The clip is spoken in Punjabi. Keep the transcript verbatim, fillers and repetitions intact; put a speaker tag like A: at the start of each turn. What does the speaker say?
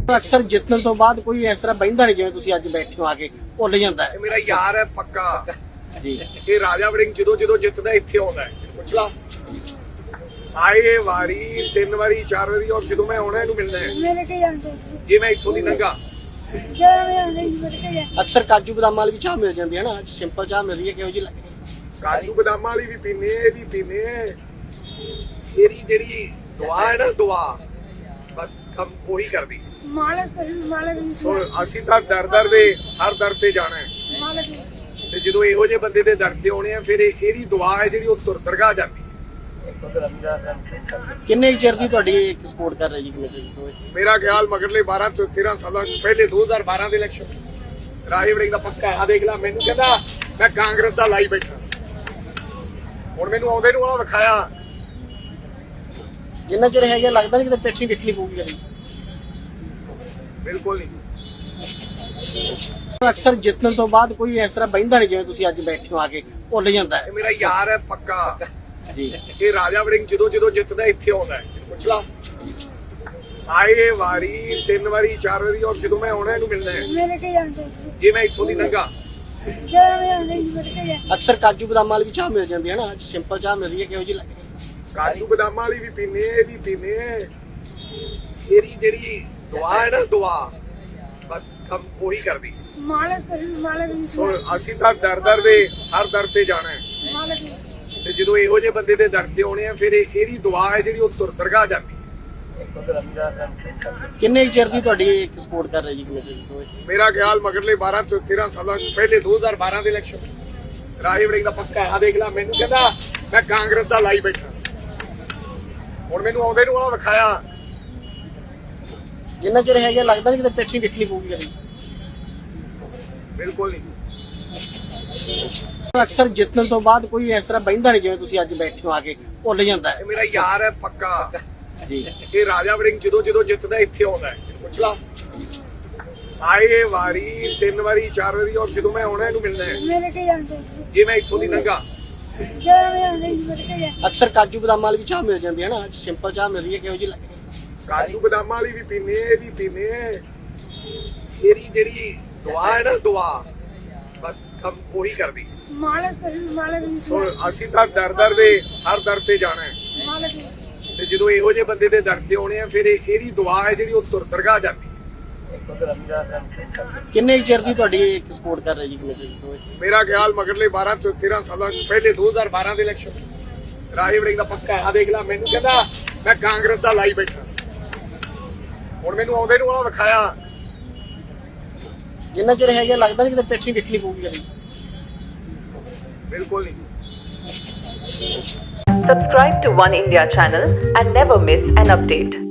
A: ਅਕਸਰ ਜਿੱਤਣ ਤੋਂ ਬਾਅਦ ਕੋਈ ਇਸ ਤਰ੍ਹਾਂ ਬਹਿੰਦਾ ਨਹੀਂ ਜਿਵੇਂ ਤੁਸੀਂ ਅੱਜ ਬੈਠੇ ਹੋ ਆ ਕੇ ਭੁੱਲ ਜਾਂਦਾ ਹੈ।
B: ਇਹ ਮੇਰਾ ਯਾਰ ਹੈ ਪੱਕਾ
A: ਜੀ।
B: ਇਹ ਰਾਜਾ ਵੜਿੰਗ ਜਦੋਂ ਜਦੋਂ ਜਿੱਤਦਾ ਇੱਥੇ ਆਉਂਦਾ ਹੈ। ਪੁੱਛ ਲਾ ਆਏ ਵਾਰੀ ਤਿੰਨ ਵਾਰੀ ਚਾਰ ਵਾਰੀ ਔਰ ਜਦੋਂ ਮੈਂ ਆਉਣਾ ਇਹਨੂੰ ਮਿਲਣਾ ਹੈ।
C: ਮੇਰੇ ਕੇ ਜਾਂਦੇ
B: ਜੇ ਮੈਂ ਇੱਥੋਂ ਦੀ ਲੰਘਾ
C: ਜਦੋਂ ਮੈਂ ਆਉਂਦੇ ਜੀ ਮੇਰੇ ਕੇ ਜਾਂਦੇ
A: ਅਕਸਰ ਕਾਜੂ ਬਦਾਮ ਵਾਲੀ ਵੀ ਚਾਹ ਮਿਲ ਜਾਂਦੀ ਹੈ ਨਾ, ਅੱਜ ਸਿੰਪਲ ਚਾਹ ਮਿਲ ਰਹੀ ਹੈ, ਕਿਹੋ ਜਿਹੀ ਲੱਗ ਰਹੀ ਹੈ?
B: ਕਾਜੂ ਬਦਾਮਾਂ ਵਾਲੀ ਵੀ ਪੀਨੇ ਇਹ ਵੀ ਪੀਨੇ ਇਹਦੀ ਜਿਹੜੀ ਦੁਆ ਹੈ ਨਾ ਦੁਆ ਬਸ ਕੰਮ ਉਹੀ ਕਰਦੀ।
C: ਮਾਲਕ ਕਰੀ ਮਾਲਕ ਦੀ
B: ਸੋ ਅਸੀਂ ਤਾਂ ਦਰ ਦਰ ਦੇ ਹਰ ਦਰ ਤੇ ਜਾਣਾ ਹੈ
C: ਮਾਲਕ ਦੀ
B: ਤੇ ਜਦੋਂ ਇਹੋ ਜਿਹੇ ਬੰਦੇ ਦੇ ਦਰ ਤੇ ਆਉਣੇ ਆ ਫਿਰ ਇਹ- ਇਹਦੀ ਦੁਆ ਹੈ ਜਿਹੜੀ ਉਹ ਤੁਰ ਦਰਗਾਹ ਜਾਂਦੀ ਹੈ।
A: ਕਿੰਨੇ ਕੁ ਚਿਰ ਦੀ ਤੁਹਾਡੀ ਇੱਕ ਸਪੋਰਟ ਕਰ ਰਹੀ ਜੀ ਕਿਵੇਂ ਜੀ?
B: ਮੇਰਾ ਖਿਆਲ ਮਗਰਲੇ ਬਾਰਾਂ ਤੋਂ ਤੇਰਾਂ ਸਾਲਾਂ ਤੋਂ ਪਹਿਲੇ ਦੋ ਹਜ਼ਾਰ ਬਾਰਾਂ ਦੇ ਇਲੈਕਸ਼ਨ ਰਾਜਾ ਵੜਿੰਗ ਦਾ ਪੱਕਾ ਆ ਦੇਖ ਲੈ ਮੈਨੂੰ ਕਹਿੰਦਾ ਮੈਂ ਕਾਂਗਰਸ ਦਾ ਲਾਈ ਬੈਠਾ ਹੁਣ ਮੈਨੂੰ ਆਉਂਦੇ ਨੂੰ ਆ ਵਿਖਾਇਆ
A: ਜਿੰਨਾ ਚਿਰ ਹੈਗਾ ਲੱਗਦਾ ਨਹੀਂ ਕਿਤੇ ਪਿੱਠੀ ਵਿਖਣੀ ਪਊਗੀ ਕਦੀ।
B: ਬਿਲਕੁਲ ਨਹੀਂ।
A: ਅਕਸਰ ਜਿੱਤਣ ਤੋਂ ਬਾਅਦ ਕੋਈ ਇਸ ਤਰ੍ਹਾਂ ਬਹਿੰਦਾ ਨਹੀਂ ਜਿਵੇਂ ਤੁਸੀਂ ਅੱਜ ਬੈਠੇ ਹੋ ਆ ਕੇ ਭੁੱਲ ਜਾਂਦਾ ਹੈ।
B: ਇਹ ਮੇਰਾ ਯਾਰ ਹੈ ਪੱਕਾ
A: ਜੀ।
B: ਇਹ ਰਾਜਾ ਵੜਿੰਗ ਜਦੋਂ ਜਦੋਂ ਜਿੱਤਦਾ ਇੱਥੇ ਆਉਂਦਾ ਹੈ। ਪੁੱਛ ਲਾ ਆਏ ਵਾਰੀ ਤਿੰਨ ਵਾਰੀ ਚਾਰ ਵਾਰੀ ਔਰ ਜਦੋਂ ਮੈਂ ਆਉਣਾ ਇਹਨੂੰ ਮਿਲਣਾ ਹੈ।
C: ਮੇਰੇ ਕੇ ਜਾਂਦੇ
B: ਜੇ ਮੈਂ ਇੱਥੋਂ ਦੀ ਲੰਘਾ
C: ਜਦੋਂ ਮੈਂ ਆਉਂਦੇ ਜੀ ਮੇਰੇ ਕੇ ਜਾਂਦੇ
A: ਅਕਸਰ ਕਾਜੂ ਬਦਾਮ ਵਾਲੀ ਵੀ ਚਾਹ ਮਿਲ ਜਾਂਦੀ ਹੈ ਨਾ, ਅੱਜ ਸਿੰਪਲ ਚਾਹ ਮਿਲ ਰਹੀ ਹੈ, ਕਿਹੋ ਜਿਹੀ ਲੱਗ ਰਹੀ ਹੈ?
B: ਕਾਜੂ ਬਦਾਮਾਂ ਵਾਲੀ ਵੀ ਪੀਨੇ ਇਹ ਵੀ ਪੀਨੇ ਇਹਦੀ ਜਿਹੜੀ ਦੁਆ ਹੈ ਨਾ ਦੁਆ ਬਸ ਕੰਮ ਉਹੀ ਕਰਦੀ।
C: ਮਾਲਕ ਕਰੀ ਮਾਲਕ ਦੀ
B: ਸੋ ਅਸੀਂ ਤਾਂ ਦਰ ਦਰ ਦੇ ਹਰ ਦਰ ਤੇ ਜਾਣਾ ਹੈ
C: ਮਾਲਕ ਦੀ
B: ਤੇ ਜਦੋਂ ਇਹੋ ਜਿਹੇ ਬੰਦੇ ਦੇ ਦਰ ਤੇ ਆਉਣੇ ਆ ਫਿਰ ਇਹ- ਇਹਦੀ ਦੁਆ ਹੈ ਜਿਹੜੀ ਉਹ ਤੁਰ ਦਰਗਾਹ ਜਾਂਦੀ ਹੈ।
A: ਕਿੰਨੇ ਕੁ ਚਿਰ ਦੀ ਤੁਹਾਡੀ ਇੱਕ ਸਪੋਰਟ ਕਰ ਰਹੀ ਜੀ ਕਿਵੇਂ ਜੀ?
B: ਮੇਰਾ ਖਿਆਲ ਮਗਰਲੇ ਬਾਰਾਂ ਤੋਂ ਤੇਰਾਂ ਸਾਲਾਂ ਤੋਂ ਪਹਿਲੇ ਦੋ ਹਜ਼ਾਰ ਬਾਰਾਂ ਦੇ ਇਲੈਕਸ਼ਨ ਰਾਜਾ ਵੜਿੰਗ ਦਾ ਪੱਕਾ ਆ ਦੇਖ ਲੈ ਮੈਨੂੰ ਕਹਿੰਦਾ ਮੈਂ ਕਾਂਗਰਸ ਦਾ ਲਾਈ ਬੈਠਾ ਹੁਣ ਮੈਨੂੰ ਆਉਂਦੇ ਨੂੰ ਆ ਵਿਖਾਇਆ
A: ਜਿੰਨਾ ਚਿਰ ਹੈਗਾ ਲੱਗਦਾ ਨਹੀਂ ਕਿਤੇ ਪਿੱਠੀ ਵਿਖਣੀ ਪਊਗੀ ਕਦੀ।
B: ਬਿਲਕੁਲ ਨਹੀਂ।
A: ਅਕਸਰ ਜਿੱਤਣ ਤੋਂ ਬਾਅਦ ਕੋਈ ਇਸ ਤਰ੍ਹਾਂ ਬਹਿੰਦਾ ਨਹੀਂ ਜਿਵੇਂ ਤੁਸੀਂ ਅੱਜ ਬੈਠੇ ਹੋ ਆ ਕੇ ਭੁੱਲ ਜਾਂਦਾ ਹੈ।
B: ਇਹ ਮੇਰਾ ਯਾਰ ਹੈ ਪੱਕਾ
A: ਜੀ।
B: ਇਹ ਰਾਜਾ ਵੜਿੰਗ ਜਦੋਂ ਜਦੋਂ ਜਿੱਤਦਾ ਇੱਥੇ ਆਉਂਦਾ ਹੈ। ਪੁੱਛ ਲਾ ਆਏ ਵਾਰੀ ਤਿੰਨ ਵਾਰੀ ਚਾਰ ਵਾਰੀ ਔਰ ਜਦੋਂ ਮੈਂ ਆਉਣਾ ਇਹਨੂੰ ਮਿਲਣਾ ਹੈ।
C: ਮੇਰੇ ਕੇ ਜਾਂਦੇ
B: ਜੇ ਮੈਂ ਇੱਥੋਂ ਦੀ ਲੰਘਾ
C: ਜਦੋਂ ਮੈਂ ਆਉਂਦੇ ਜੀ ਮੇਰੇ ਕੇ ਜਾਂਦੇ
A: ਅਕਸਰ ਕਾਜੂ ਬਦਾਮ ਵਾਲੀ ਵੀ ਚਾਹ ਮਿਲ ਜਾਂਦੀ ਹੈ ਨਾ, ਅੱਜ ਸਿੰਪਲ ਚਾਹ ਮਿਲ ਰਹੀ ਹੈ, ਕਿਹੋ ਜਿਹੀ ਲੱਗ ਰਹੀ ਹੈ?
B: ਕਾਜੂ ਬਦਾਮਾਂ ਵਾਲੀ ਵੀ ਪੀਨੇ ਇਹ ਵੀ ਪੀਨੇ ਇਹਦੀ ਜਿਹੜੀ ਦੁਆ ਹੈ ਨਾ ਦੁਆ ਬਸ ਕੰਮ ਉਹੀ ਕਰਦੀ।
C: ਮਾਲਕ ਕਰੀ ਮਾਲਕ ਦੀ
B: ਸੋ ਅਸੀਂ ਤਾਂ ਦਰ ਦਰ ਦੇ ਹਰ ਦਰ ਤੇ ਜਾਣਾ ਹੈ
C: ਮਾਲਕ ਦੀ
B: ਤੇ ਜਦੋਂ ਇਹੋ ਜਿਹੇ ਬੰਦੇ ਦੇ ਦਰ ਤੇ ਆਉਣੇ ਆ ਫਿਰ ਇਹ- ਇਹਦੀ ਦੁਆ ਹੈ ਜਿਹੜੀ ਉਹ ਤੁਰ ਦਰਗਾਹ ਜਾਂਦੀ ਹੈ।
A: ਕਿੰਨੇ ਕੁ ਚਿਰ ਦੀ ਤੁਹਾਡੀ ਇੱਕ ਸਪੋਰਟ ਕਰ ਰਹੀ ਜੀ ਕਿਵੇਂ ਜੀ?
B: ਮੇਰਾ ਖਿਆਲ ਮਗਰਲੇ ਬਾਰਾਂ ਤੋਂ ਤੇਰਾਂ ਸਾਲਾਂ ਤੋਂ ਪਹਿਲੇ ਦੋ ਹਜ਼ਾਰ ਬਾਰਾਂ ਦੇ ਇਲੈਕਸ਼ਨ ਰਾਜਾ ਵੜਿੰਗ ਦਾ ਪੱਕਾ ਆ ਦੇਖ ਲੈ ਮੈਨੂੰ ਕਹਿੰਦਾ ਮੈਂ ਕਾਂਗਰਸ ਦਾ ਲਾਈ ਬੈਠਾ ਹੁਣ ਮੈਨੂੰ ਆਉਂਦੇ ਨੂੰ ਆ ਵਿਖਾਇਆ
A: ਜਿੰਨਾ ਚਿਰ ਹੈਗਾ ਲੱਗਦਾ ਨਹੀਂ ਕਿਤੇ ਪਿੱਠੀ ਵਿਖਣੀ ਪਊਗੀ ਕਦੀ।
B: ਬਿਲਕੁਲ ਨਹੀਂ।
D: Subscribe to One India channel and never miss an update.